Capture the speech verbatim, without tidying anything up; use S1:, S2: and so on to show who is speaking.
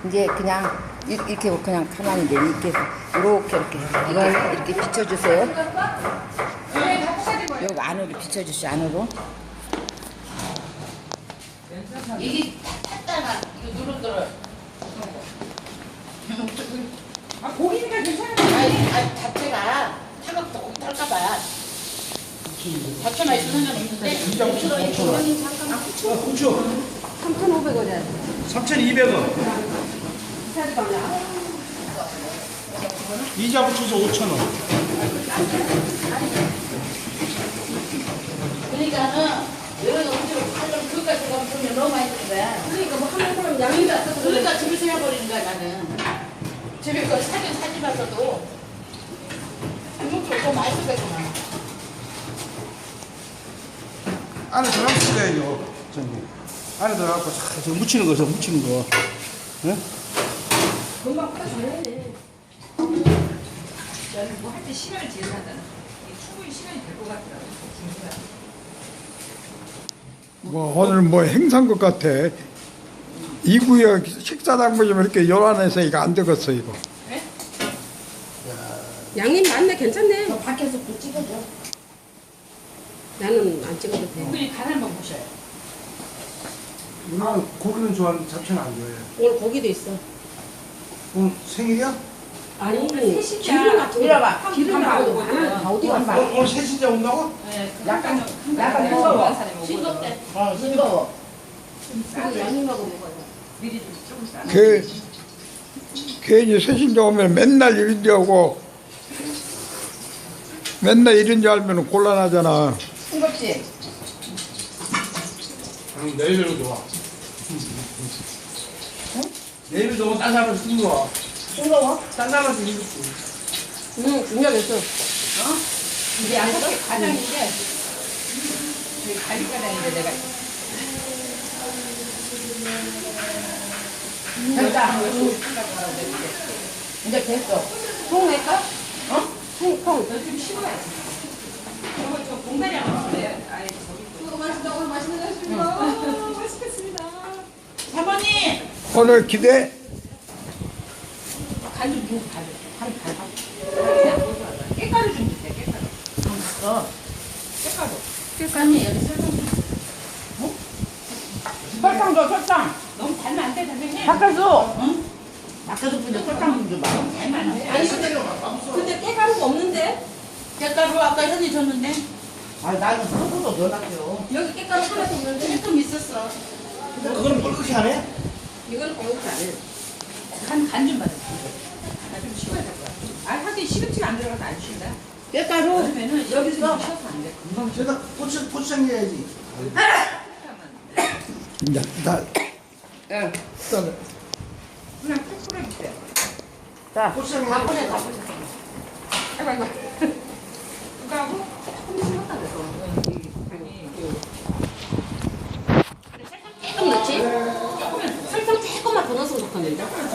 S1: 이제 그냥 이- 이렇게 그냥 가만히 내 이렇게 해서 이렇게 이렇게 이걸 이렇게 비춰주세요. 여기 안으로 비춰주시오. 안으로.
S2: 이게 탔다가 이거 누른더라.
S3: 아, 고기니까 괜찮아.
S2: 아니, 아니 자체가 타격도 꼭 탈까봐. 자체만 있으면 상관없는데.
S4: 후추
S3: 삼천오백 원이야.
S4: 삼천이백 원. 이자 붙여서 오천 원.
S2: 그러니까는 여러 음식을 팔려면 그것까지 가면 돈이 너무 많이 드는 거야.
S3: 그러니까 뭐 하는 사람 양이 없어서
S2: 그러니까 집에서 해버리는 거야 나는. 집에 거 사긴 사지 마서도 이것도 좀 많이 쓰겠구나.
S4: 안에 들어가서 돼요. 전부. 안에 들어가고 자, 저 묻히는 거, 저 묻히는 거. 예?
S3: 금방 빠져야 돼.
S5: 나는 뭐 할 때 시간을 제한하잖아. 이게 충분히 시간이 될 것 같더라고. 진짜.
S6: 뭐 오늘 뭐 행사인 것 같아. 이 구역 식사당 보시면 이렇게 요란해서 이거 안 되겠어 이거.
S3: 양님 맞네, 괜찮네.
S2: 저 밖에서 또 찍어줘.
S3: 나는 안 찍어도 돼.
S2: 그냥 간알만 보셔요.
S4: 누나는 고기는 좋아하는데 잡채는 안 좋아해요.
S3: 오늘 고기도 있어.
S4: 오늘 생일이야?
S3: 아니,
S5: 셋이자.
S3: 기름 같은 거.
S2: 밀어봐.
S3: 기름 나오고 많아. 어디
S4: 오늘,
S3: 가서.
S4: 오늘 셋이자 온다고?
S5: 네,
S2: 약간
S5: 약간
S2: 싱거워.
S5: 사람이
S2: 싱겁대.
S4: 아,
S2: 싱거워.
S3: 그리고 양님하고 먹어요.
S5: 미리 좀 조금 싸.
S6: 그 괜히 새신자 오면 맨날 이런 줄 알고 맨날 이런 줄 알면 곤란하잖아.
S2: 싱겁지?
S4: 응, 내일도 좋아. 내일도 좋아. 딴 사람은 싱거워.
S2: 싱거워?
S4: 딴 사람은 싱겁고.
S3: 응, 중요했어.
S5: 이게 양석이 과장인데 저희 관리과장인데 내가
S2: 됐다. 이제 됐어.
S3: 통할까?
S2: 어?
S3: 통, 통.
S5: 너좀 쉬어야지. 저거 저 공간이 안 맞는데 아예 저기
S3: 맛있다, 오늘 맛있는 거 하십니다. 맛있겠습니다.
S2: 사모님!
S6: 오늘 기대.
S2: 간좀 주고 가줘. 간, 간.
S5: 깨가루 좀 주세요. 깨가루.
S2: 어.
S5: 깨가루.
S2: 설탕이 여기 설탕 좀. 어? 설탕 줘, 설탕.
S5: 너무 달면 안 돼, 선생님.
S2: 바꿔줘. 응? 바꿔줘, 근데 설탕 좀 줘봐.
S5: 달면 안 돼.
S3: 아니, 근데, 근데 깨가루가 없는데?
S2: 깨가루 아까 현이 줬는데? 아, 나는 소금도 넣어놨죠.
S3: 여기 깨가루 하나도 없는데?
S2: 조금 있었어.
S4: 근데 그거는 뻘겋게 안 해?
S3: 이거는 배고프지 않아.
S5: 간, 간 좀 받아. 나좀 쉬어야 될 거야. 아, 하긴 시금치가 안 들어가서 안 쉰다.
S2: 깨가루?
S5: 그러면은 여기서 쉬어서 안 돼. 금방
S4: 저기다 고추, 고추장 해야지.
S6: 이제 나
S2: 응.
S6: 일단
S5: 그냥 푹 뿌려주세요.
S2: 자,
S4: 고추장
S2: 다
S4: 해야지.
S2: 보내, 다 보내.
S5: 아이고, 아이고. 그거 하고 조금 심었다 그래서.
S3: 조금 넣지? 설탕 조금만 더 넣었으면 좋겠는데?